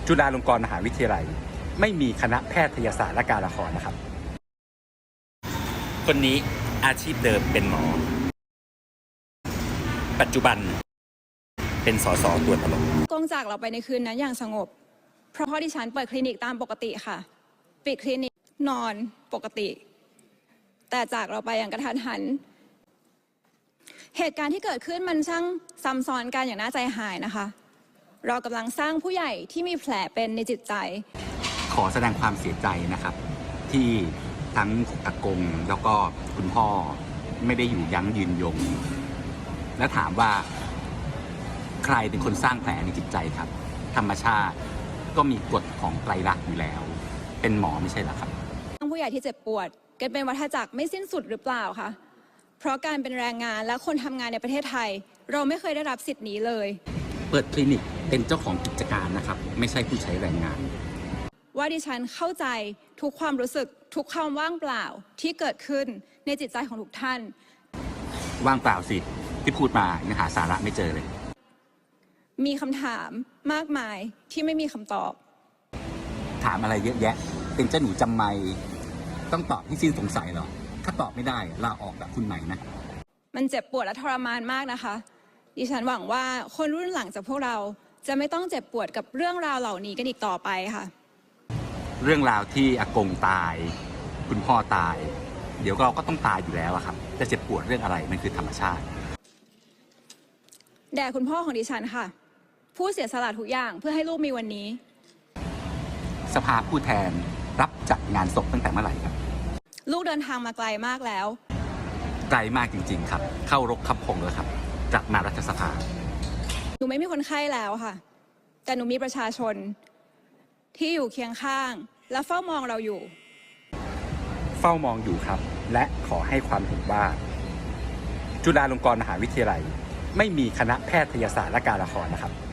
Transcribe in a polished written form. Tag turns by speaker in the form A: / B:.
A: จุฬาลงกรณ์มหาวิทยาลัยไม่มีคณะแพทยศาสตร์และการละครนะครับคนนี้อาชีพเดิมเป็นหมอปัจจุบันเป็นสสตัวตลก
B: กงจากเราไปในคืนนั้นอย่างสงบเพราะพ่อดิฉันเปิดคลินิกตามปกติค่ะปิดคลินิกนอนปกติแต่จากเราไปอย่างกระทันหันเหตุการณ์ที่เกิดขึ้นมันช่างซ้ำซ้อนกันอย่างน่าใจหายนะคะเรากำลังสร้างผู้ใหญ่ที่มีแผลเป็นในจิตใจ
A: ขอแสดงความเสียใจนะครับที่ทั้งอากงแล้วก็คุณพ่อไม่ได้อยู่ยั้งยืนยงและถามว่าใครเป็นคนสร้างแผลในจิตใจครับธรรมชาติก็มีกฎของไตรลักษณ์อยู่แล้วเป็นหมอไม่ใช่หรอครับ
B: ผู้ใหญ่ที่เจ็บปวดกันเป็นวัฏจักรไม่สิ้นสุดหรือเปล่าคะเพราะการเป็นแรงงานและคนทำงานในประเทศไทยเราไม่เคยได้รับสิทธิ์นี้เลย
A: เปิดคลินิกเป็นเจ้าของกิจการนะครับไม่ใช่ผู้ใช้แรงงาน
B: ว่าดิฉันเข้าใจทุกความรู้สึกทุกความว่างเปล่าที่เกิดขึ้นในจิตใจของทุกท่าน
A: ว่างเปล่าสิที่พูดมายังหาสาระไม่เจอเลย
B: มีคำถามมากมายที่ไม่มีคำตอบ
A: ถามอะไรเยอะแยะเป็นเจ้าหนูจำไม่ต้องตอบที่สิ้นสงสัยเหรอถ้าตอบไม่ได้ลาออกแบบคุณใหม่นะ
B: มันเจ็บปวดและทรมานมากนะคะดิฉันหวังว่าคนรุ่นหลังจากพวกเราจะไม่ต้องเจ็บปวดกับเรื่องราวเหล่านี้กันอีกต่อไปค่ะ
A: เรื่องราวที่อากงตายคุณพ่อตายเดี๋ยวเราก็ต้องตายอยู่แล้วครับจะเจ็บปวดเรื่องอะไรมันคือธรรมชาติ
B: แด่คุณพ่อของดิฉันค่ะผู้เสียสละทุกอย่างเพื่อให้ลูกมีวันนี้
A: สภาผู้แทนรับจัดงานศพตั้งแต่เมื่อไหร่ครับ
B: ลูกเดินทางมาไกลมากแล้ว
A: ไกลมากจริงๆครับเข้ารกขับพงแล้วครับกลับมารัฐสภา
B: หนูไม่มีคนไข้แล้วค่ะแต่หนูมีประชาชนที่อยู่เคียงข้างและเฝ้ามองเราอยู่
A: เฝ้ามองอยู่ครับและขอให้ความเห็นว่าจุฬาลงกรณ์มหาวิทยาลัยไม่มีคณะแพทยศาสตร์และการละครนะครับ